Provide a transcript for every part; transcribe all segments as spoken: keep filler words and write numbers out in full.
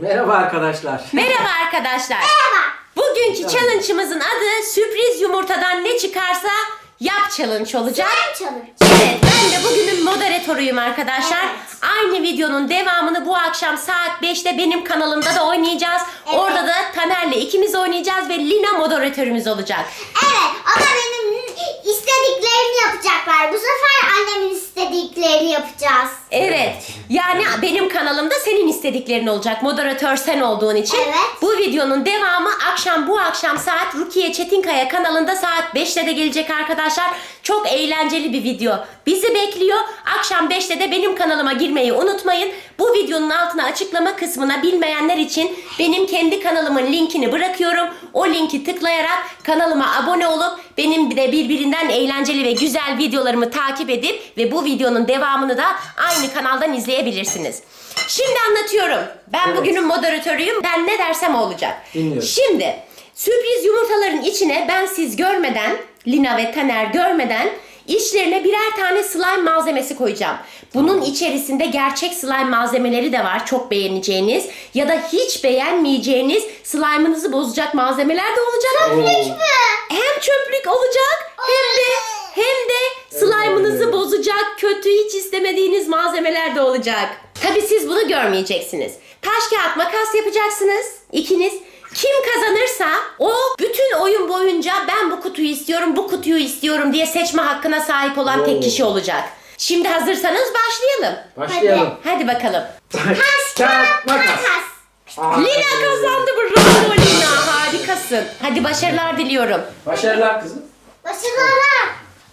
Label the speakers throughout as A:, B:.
A: Merhaba arkadaşlar.
B: Merhaba arkadaşlar.
C: Merhaba.
B: Bugünkü challenge'ımızın adı sürpriz yumurtadan ne çıkarsa yap challenge olacak.
C: Slime challenge.
B: Evet, ben de bugünün moderatörüyüm arkadaşlar.
C: Evet.
B: Aynı videonun devamını bu akşam saat beşte benim kanalımda da oynayacağız.
C: Evet.
B: Orada da Taner'le ikimiz oynayacağız ve Lina moderatörümüz olacak.
C: Evet, o da benim istediklerimi yapacaklar. Bu sefer annemin istediklerini yapacağız.
B: Evet. Yani benim kanalımda senin istediklerin olacak. Moderatör sen olduğun için.
C: Evet.
B: Bu videonun devamı akşam bu akşam saat Rukiye Çetinkaya kanalında saat beşte de gelecek arkadaşlar. Çok eğlenceli bir video bizi bekliyor. Akşam beşte de benim kanalıma girmeyi unutmayın. Bu videonun altına açıklama kısmına bilmeyenler için benim kendi kanalımın linkini bırakıyorum. O linki tıklayarak kanalıma abone olup benim de birbirinden eğlenceli ve güzel videolarımı takip edip ve bu videonun devamını da aynı kanaldan izleyebilirsiniz. Şimdi anlatıyorum. Ben
A: Evet.
B: bugünün moderatörüyüm. Ben ne dersem o olacak.
A: Dinliyorum.
B: Şimdi sürpriz yumurtaların içine ben siz görmeden, Lina ve Taner görmeden içlerine birer tane slime malzemesi koyacağım. Bunun içerisinde gerçek slime malzemeleri de var. Çok beğeneceğiniz ya da hiç beğenmeyeceğiniz slime'ınızı bozacak malzemeler de olacak.
C: Çöplük mü?
B: Hem çöplük olacak hem de hem de slime'ınızı bozacak, kötü hiç istemediğiniz malzemeler de olacak. Tabii siz bunu görmeyeceksiniz. Taş kağıt makas yapacaksınız ikiniz. Kim kazanırsa o bütün oyun boyunca ben bu kutuyu istiyorum, bu kutuyu istiyorum diye seçme hakkına sahip olan tek
A: Oo.
B: kişi olacak. Şimdi hazırsanız başlayalım.
A: Başlayalım.
B: Hadi bakalım.
A: Taş, kağıt, makas.
C: Makas.
B: Lina kazandı, bravo Lina, harikasın. Hadi başarılar diliyorum.
A: Başarılar kızım.
C: Başarılar.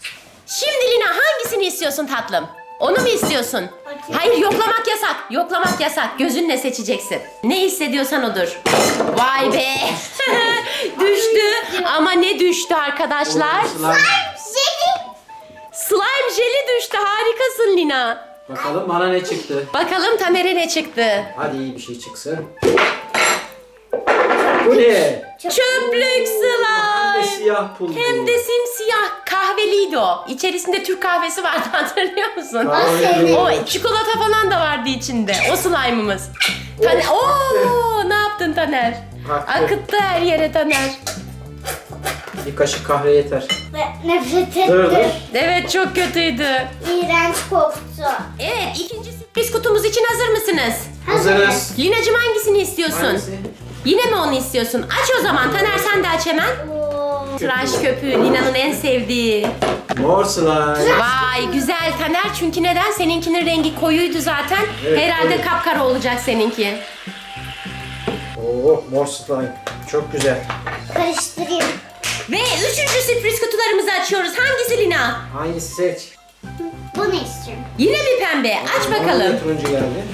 B: Şimdi Lina hangisini istiyorsun tatlım? Onu mu istiyorsun?
C: Bakayım.
B: Hayır, yoklamak yasak. Yoklamak yasak. Gözünle seçeceksin. Ne hissediyorsan odur. Vay be. Düştü. Ama ne düştü arkadaşlar?
A: Slime.
C: Jeli.
B: Slime jeli düştü. Harikasın Lina.
A: Bakalım bana ne çıktı.
B: Bakalım Taner'e ne çıktı?
A: Hadi iyi bir şey çıksın. Bu ne?
B: Çöplük
A: Hem de
B: slime.
A: siyah pul.
B: Hem de simsiyah, kahveliydi o. İçerisinde Türk kahvesi vardı, hatırlıyor musun?
A: Kahveli.
B: O çikolata falan da vardı içinde. O slime'ımız. Taner, ooo, ne yaptın Taner?
A: Aktı.
B: Akıttı her yere Taner.
A: Bir kaşık kahve yeter.
C: Ve nefret
A: Dur, dur.
C: ettim.
B: Evet, çok kötüydü.
C: İğrenç koktu.
B: Evet, ikinci sürpriz kutumuz için hazır mısınız?
A: Hazırız.
B: Linacığım hangisini istiyorsun?
A: Hangisi?
B: Yine mi onu istiyorsun? Aç o zaman Taner, sen de aç hemen.
C: Oo.
B: Tıraş köpüğü Lina'nın en sevdiği.
A: Mor slime.
B: Vay güzel Taner, çünkü neden? Seninkinin rengi koyuydu zaten.
A: Evet,
B: Herhalde
A: koyu.
B: kapkara olacak seninki.
A: Oo, mor slime. Çok güzel.
C: Karıştırayım.
B: Ve üçüncü sürpriz kutularımızı açıyoruz. Hangisi Lina?
A: Hangisi seç?
C: Bunu istiyorum.
B: Yine mi pembe? Aç
A: Bana
B: bakalım.
A: da turuncu geldi.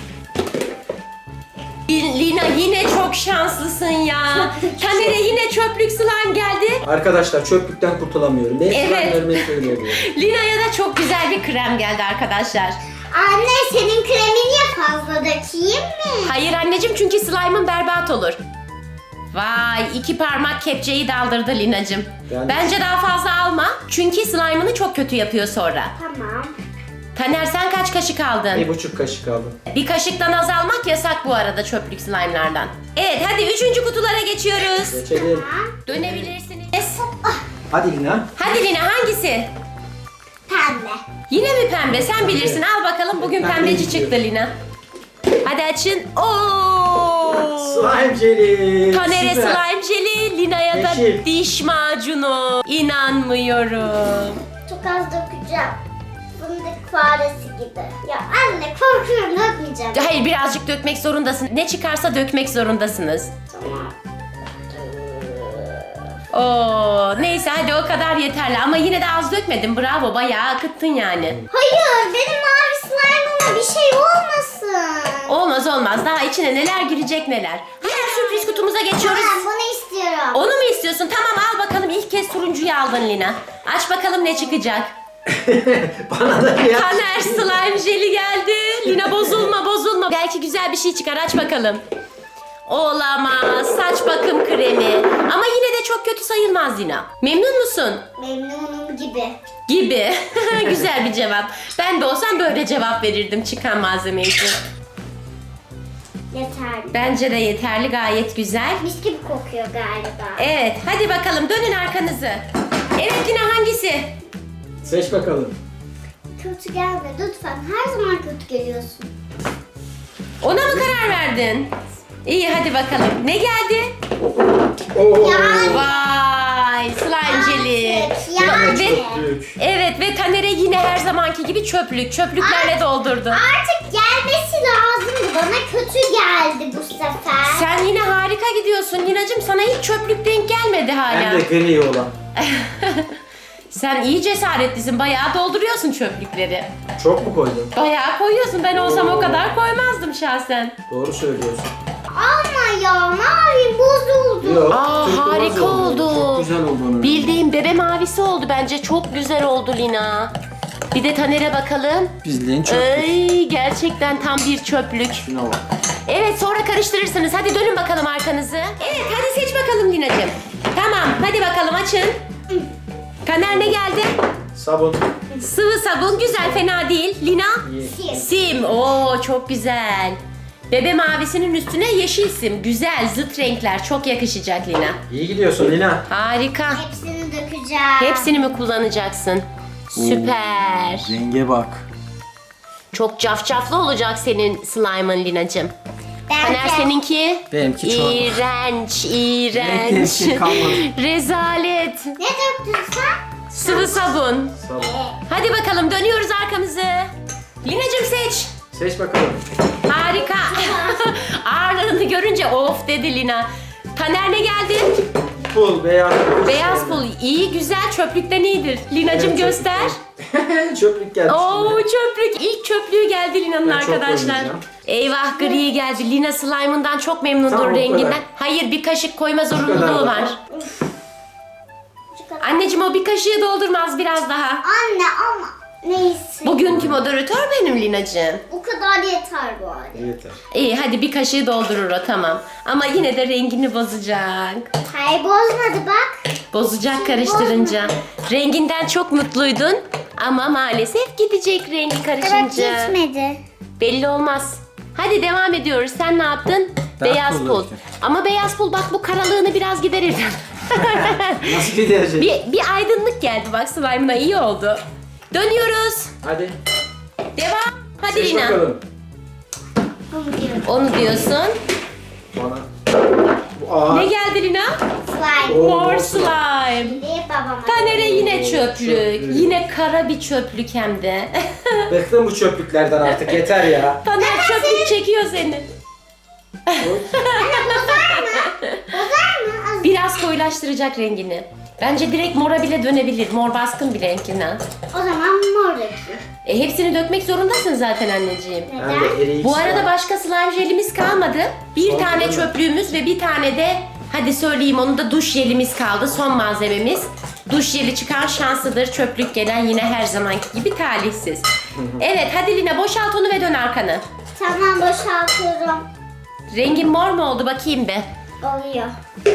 B: Lina yine çok şanslısın ya. Taner'e yine çöplük slime geldi.
A: Arkadaşlar çöplükten kurtulamıyorum. Benim
B: Evet.
A: slime'larım hep böyle oluyor.
B: Lina'ya da çok güzel bir krem geldi arkadaşlar.
C: Anne, senin kremin niye fazla dökeyim mi?
B: Hayır anneciğim, çünkü slime'ın berbat olur. Vay, iki parmak kepçeyi daldırdı Lina'cığım.
A: Yani-
B: Bence daha fazla alma. Çünkü slime'ını çok kötü yapıyor sonra.
C: Tamam.
B: Taner, sen kaç kaşık aldın?
A: Bir buçuk kaşık aldım.
B: Bir kaşıktan az almak yasak bu arada çöplük slime'lardan. Evet, hadi üçüncü kutulara geçiyoruz.
A: Geçelim.
B: Dönebilirsiniz.
A: Hadi Lina.
B: Hadi Lina, hangisi?
C: Pembe.
B: Yine mi pembe? Sen bilirsin. Al bakalım, bugün
A: Pembe
B: pembeci
A: gidiyor.
B: çıktı Lina. Hadi açın. Oo!
A: Slime jeli.
B: Taner'e
A: Süper.
B: slime jeli, Lina'ya da
A: Yeşil.
B: diş macunu. İnanmıyorum.
C: Çok az dökeceğim. Fındık faresi gibi. Ya anne, korkuyorum, dökmeyeceğim.
B: Hayır, birazcık dökmek zorundasın. Ne çıkarsa dökmek zorundasınız.
C: Tamam.
B: Oo, neyse hadi o kadar yeterli. Ama yine de az dökmedin. Bravo, bayağı akıttın yani.
C: Hayır, benim mavi slime'ıma bir şey olmasın.
B: Olmaz olmaz. Daha içine neler girecek neler. Hemen sürpriz kutumuza geçiyoruz.
C: Ben bunu istiyorum.
B: Onu mu istiyorsun? Tamam, al bakalım. İlk kez turuncuyu aldın Lina. Aç bakalım ne çıkacak.
A: Bana da bir
B: Taner, slime jeli geldi. Lina, bozulma bozulma. Belki güzel bir şey çıkar. Aç bakalım. Olamaz. Saç bakım kremi. Ama yine de çok kötü sayılmaz Lina. Memnun musun?
C: Memnunum gibi.
B: Gibi. Güzel bir cevap. Ben de olsam böyle cevap verirdim çıkan malzeme için.
C: Yeterli.
B: Bence de yeterli, gayet güzel.
C: Mis gibi kokuyor galiba.
B: Evet, hadi bakalım dönün arkanızı. Evet Lina, hangisi?
A: Seç bakalım.
C: Kötü gelme lütfen. Her zaman kötü geliyorsun.
B: Ona mı karar verdin? İyi, hadi bakalım. Ne geldi?
A: Oo.
C: Yani.
B: Vay, slime jelly.
C: Artık yani.
B: Ve,
A: Çöplük.
B: evet ve Taner'e yine her zamanki gibi çöplük. Çöplüklerle doldurdu.
C: Artık gelmesi lazımdı. Bana kötü geldi bu sefer.
B: Sen yine harika gidiyorsun Lina'cığım. Sana hiç çöplük denk gelmedi hala.
A: Hem de gri olan.
B: Sen iyi cesaretlisin. Bayağı dolduruyorsun çöplükleri.
A: Çok mu koydun?
B: Bayağı koyuyorsun. Ben olsam o
A: Oo.
B: kadar koymazdım şahsen.
A: Doğru söylüyorsun.
C: Ama ya mavi bozuldu.
A: Yok.
B: Aa,
A: turkuaz
B: harika oldu.
A: Çok güzel oldu onun.
B: Bildiğim bebe mavisi oldu bence. Çok güzel oldu Lina. Bir de Taner'e bakalım.
A: Bizliğin
B: Ay, gerçekten tam bir çöplük.
A: Şuna bak.
B: Evet, sonra karıştırırsınız. Hadi dönün bakalım arkanızı. Evet, hadi seç bakalım Lina'cığım. Tamam, hadi bakalım açın. Taner ne geldi?
A: Sabun.
B: Sıvı sabun, güzel, fena değil. Lina?
A: İyi.
C: Sim.
B: Sim. Oo, çok güzel. Bebe mavisinin üstüne yeşil sim. Güzel, zıt renkler. Çok yakışacak Lina.
A: İyi gidiyorsun Lina.
B: Harika.
C: Hepsini dökeceğim.
B: Hepsini mi kullanacaksın? Süper.
A: Renge bak.
B: Çok cafcaflı olacak senin slime'ın Lina'cığım. Taner seninki?
A: Benimki çorba.
B: İğrenç, iğrenç.
A: Benimki kalmadı.
B: Rezalet.
C: Ne döktün sen?
B: Sıvı sabun.
A: Sabun.
B: Hadi bakalım, dönüyoruz arkamızı. Lina'cığım seç.
A: Seç bakalım.
B: Harika. Ağırlığını görünce of dedi Lina. Taner ne geldi?
A: Pul, beyaz pul.
B: Beyaz pul. İyi, güzel, çöplükten iyidir. Lina'cığım
A: Evet,
B: göster.
A: çöplük. Çöplük geldi.
B: Oo,
A: şimdi.
B: çöplük. İlk çöplüğü geldi Lina'nın
A: Ben çok
B: arkadaşlar.
A: oynayacağım.
B: Eyvah, gri geldi. Lina slime'ından çok memnundur
A: Tamam, o
B: renginden.
A: kadar.
B: Hayır, bir kaşık koyma
A: kadar
B: zorunluluğu
A: da.
B: var.
C: Şu kadar.
B: Anneciğim, o bir kaşığı doldurmaz, biraz daha.
C: Anne ama neyse.
B: Bugünkü moderatör benim Lina'cığım.
C: Bu kadar yeter bu arada.
A: Yeter.
B: İyi, hadi bir kaşığı doldurur o, tamam. Ama yine de rengini bozacak.
C: Hayır bozmadı bak.
B: Bozacak karıştırınca. Renginden çok mutluydun ama maalesef gidecek rengi
C: Evet
B: karışınca.
C: gitmedi.
B: Belli olmaz. Hadi devam ediyoruz. Sen ne yaptın?
A: Ben
B: Beyaz
A: pul
B: pul.
A: döktüm.
B: Ama beyaz pul bak, bu karalığını biraz giderir.
A: Nasıl giderecek?
B: bir, bir aydınlık geldi bak slime'ına, iyi oldu. Dönüyoruz.
A: Hadi.
B: Devam. Hadi
A: Seç
B: Lina.
A: bakalım.
C: Bunu diyorum.
B: Onu diyorsun.
A: Bana. Bu ağır.
B: Ne geldi Lina?
C: Slime.
A: Oo,
B: Mor
A: mor
B: slime.
C: Diye babama.
B: Taner'e yine
A: Oo,
B: çöplük.
A: çöplük.
B: Yine kara bir çöplük hem de.
A: Bıktım bu çöplüklerden artık, yeter ya.
B: Taner çöplük çekiyor seni.
C: Bozar mı? Az-
B: Biraz koyulaştıracak rengini. Bence direkt mora bile dönebilir. Mor baskın bir renk Lina.
C: O zaman mor dökeyim.
B: E, hepsini dökmek zorundasın zaten anneciğim.
A: Ben
C: Neden?
A: de eriyik
B: Bu arada
A: slime.
B: başka slime jelimiz kalmadı. Bir
A: Son
B: tane
A: değil mi?
B: çöplüğümüz ve bir tane de, hadi söyleyeyim onu da, duş jelimiz kaldı. Son malzememiz. Duş jeli çıkan şanslıdır. Çöplük gelen yine her zamanki gibi talihsiz. Evet, hadi Lina boşalt onu ve dön arkanı.
C: Tamam boşaltıyorum.
B: Rengin mor mu oldu bakayım be.
C: Oluyor.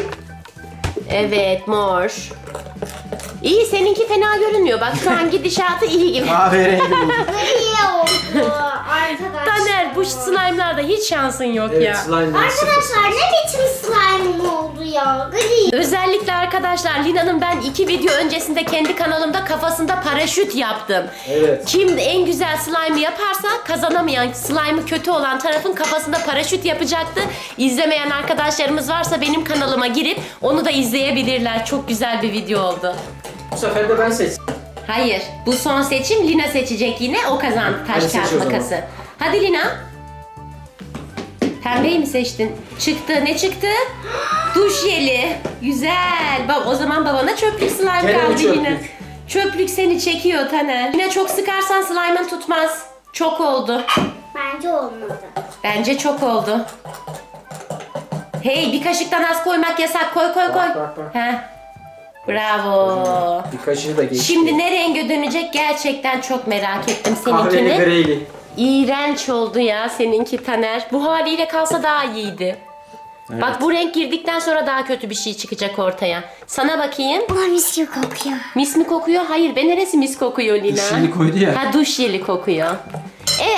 B: Evet, mor. İyi, seninki fena görünmüyor. Bak şu an gidişatı iyi gibi.
A: Kahverengi oldu.
C: Gri oldu arkadaşlar.
B: Taner, bu slime'larda hiç şansın yok
A: Evet,
B: ya.
A: slime'dan sıfır.
C: Arkadaşlar ne biçim slime oldu ya? Gri.
B: Özellikle arkadaşlar Lina'nın ben iki video öncesinde kendi kanalımda kafasında paraşüt yaptım.
A: Evet.
B: Kim en güzel slime'ı yaparsa kazanamayan, slime'ı kötü olan tarafın kafasında paraşüt yapacaktı. İzlemeyen arkadaşlarımız varsa benim kanalıma girip onu da izleyebilirler. Çok güzel bir video oldu.
A: Bu sefer de ben seçtim.
B: Hayır, bu son seçim Lina seçecek yine. O kazandı taş
A: Hadi seç
B: kağıt
A: o zaman.
B: makası. Hadi Lina. Pembeyi mi seçtin? Çıktı. Ne çıktı? Duş jeli. Güzel. Bab o zaman babana çöplük slime
A: Gene mi
B: kaldı
A: çöplük?
B: yine. Çöplük seni çekiyor Taner. Yine çok sıkarsan slime'ın tutmaz. Çok oldu.
C: Bence olmadı.
B: Bence çok oldu. Hey, bir kaşıktan az koymak yasak. Koy koy koy.
A: Bak, bak, bak.
B: Heh. Bravo.
A: Bir kaşığı da geçti.
B: Şimdi ne renge dönecek gerçekten çok merak ettim
A: Kahveli
B: seninkini.
A: greyli.
B: İğrenç oldu ya seninki Taner. Bu haliyle kalsa daha iyiydi.
A: Evet.
B: Bak, bu renk girdikten sonra daha kötü bir şey çıkacak ortaya. Sana bakayım.
C: Ama mis gibi kokuyor.
B: Mis mi kokuyor? Hayır be, neresi mis kokuyor Lina?
A: Duş jeli koydu ya.
B: Ha, duş jeli kokuyor. Evet.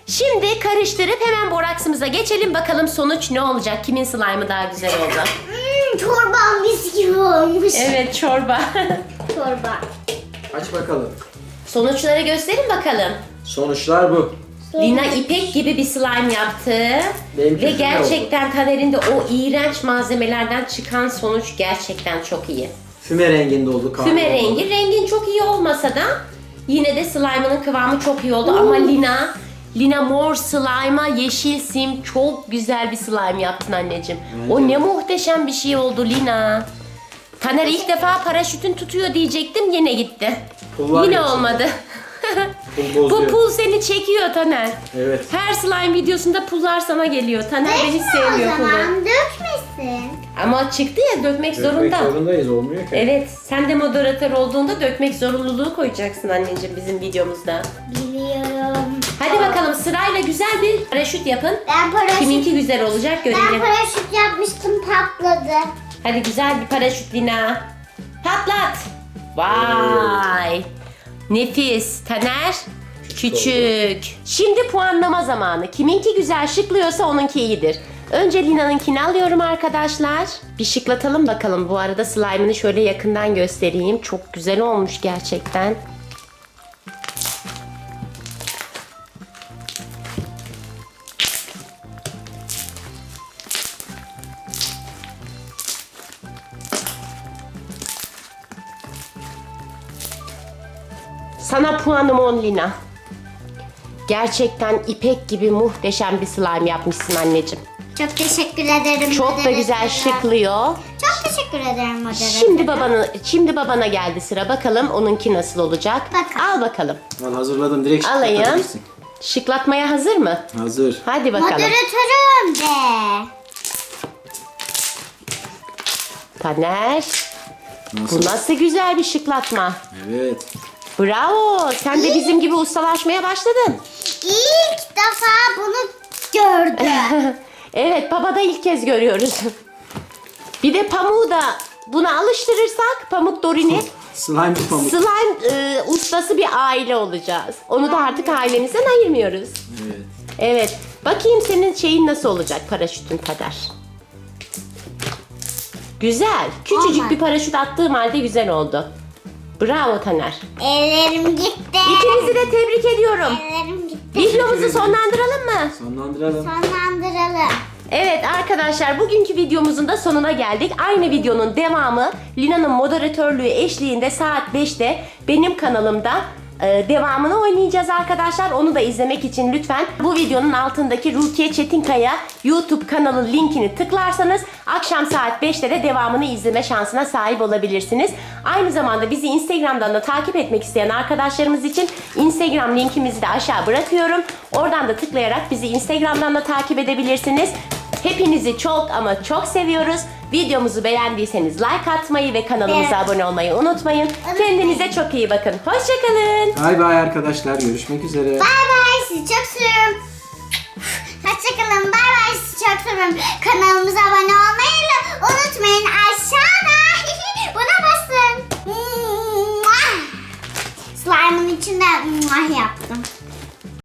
B: Şimdi karıştırıp hemen boraksımıza geçelim. Bakalım sonuç ne olacak? Kimin slime'ı daha güzel oldu?
C: Hmm, çorbam mis gibi olmuş.
B: Evet, çorba.
C: Çorba.
A: Aç bakalım.
B: Sonuçları gösterin bakalım.
A: Sonuçlar bu.
B: Lina ipek gibi bir slime yaptı.
A: Benimki
B: Ve
A: füme
B: gerçekten Taner'in de o iğrenç malzemelerden çıkan sonuç gerçekten çok iyi.
A: Füme renginde oldu. kahve
B: Füme
A: oldu.
B: rengi. Rengin çok iyi olmasa da yine de slime'ının kıvamı çok iyi oldu. Ama Lina, Lina mor slime'a yeşil sim çok güzel bir slime yaptın anneciğim.
A: Bence
B: O
A: de.
B: ne muhteşem bir şey oldu Lina. Taner ilk defa paraşütün tutuyor diyecektim, yine gitti.
A: Pul var
B: Yine
A: ya
B: olmadı.
A: Pul
B: Bu
A: bozuyor.
B: pul seni çekiyor Taner.
A: Evet.
B: Her slime videosunda pullar sana geliyor. Taner de hiç
C: Dökme
B: sevmiyor
C: o
B: pulu.
C: zaman dökmesin.
B: Ama çıktı ya, dökmek,
A: Dökmek
B: zorunda.
A: zorundayız, olmuyor ki.
B: Evet, sen de moderatör olduğunda dökmek zorunluluğu koyacaksın anneciğim bizim videomuzda.
C: Biliyorum.
B: Hadi bakalım sırayla güzel bir paraşüt yapın.
C: Ben paraşüt,
B: Kiminki güzel olacak
C: ben
B: görelim.
C: paraşüt yapmıştım, patladı.
B: Hadi güzel bir paraşüt Lina. Patlat. Vay. Nefis. Taner. Küçük. Şimdi puanlama zamanı. Kiminki güzel şıklıyorsa onunki iyidir. Önce Lina'nınkini alıyorum arkadaşlar. Bir şıklatalım bakalım. Bu arada slime'ını şöyle yakından göstereyim. Çok güzel olmuş gerçekten. Sana puanım on Lina. Gerçekten ipek gibi muhteşem bir slime yapmışsın anneciğim.
C: Çok teşekkür ederim.
B: Çok da
C: moderatöre.
B: güzel şıklıyor.
C: Çok teşekkür ederim moderatöre.
B: Şimdi babanı, şimdi babana geldi sıra. Bakalım onunki nasıl olacak?
C: Bakalım.
B: Al bakalım.
A: Al, hazırladım, direkt
B: Alayım.
A: şıklatabilirsin.
B: Şıklatmaya hazır mı?
A: Hazır.
B: Hadi bakalım.
C: Moderatörüm de.
B: Taner.
A: Nasıl?
B: Bu nasıl güzel bir şıklatma.
A: Evet.
B: Bravo. Sen de bizim gibi ustalaşmaya başladın.
C: İlk defa bunu gördüm.
B: Evet, baba da ilk kez görüyoruz. Bir de pamuğu da buna alıştırırsak Pamuk Dorin'i
A: Slime bir pamuk.
B: slime e, ustası bir aile olacağız. Onu da artık ailemizden ayırmıyoruz.
A: Evet.
B: Evet. Bakayım senin şeyin nasıl olacak, paraşütün Taner. Güzel. Küçücük
C: Olmaz.
B: bir paraşüt attığım halde güzel oldu. Bravo Taner.
C: Ellerim gitti.
B: İkinizi de tebrik ediyorum.
C: Ellerim gitti.
B: Videomuzu sonlandıralım mı?
A: Sonlandıralım.
C: Sonlandıralım.
B: Evet arkadaşlar, bugünkü videomuzun da sonuna geldik. Aynı videonun devamı Lina'nın moderatörlüğü eşliğinde saat beşte benim kanalımda e, devamını oynayacağız arkadaşlar. Onu da izlemek için lütfen bu videonun altındaki Rukiye Çetinkaya YouTube kanalı linkini tıklarsanız akşam saat beşte de devamını izleme şansına sahip olabilirsiniz. Aynı zamanda bizi Instagram'dan da takip etmek isteyen arkadaşlarımız için Instagram linkimizi de aşağı bırakıyorum. Oradan da tıklayarak bizi Instagram'dan da takip edebilirsiniz. Hepinizi çok ama çok seviyoruz. Videomuzu beğendiyseniz like atmayı ve kanalımıza
C: Evet.
B: abone olmayı unutmayın. Kendinize çok iyi bakın. Hoşçakalın.
A: Bay bay arkadaşlar. Görüşmek üzere.
C: Bay bay, sizi çok seviyorum. Hoşçakalın, bay bay, sizi çok seviyorum. Kanalımıza abone olmayı unutmayın. Aşağıda buna basın. Slime'ın içinde yap.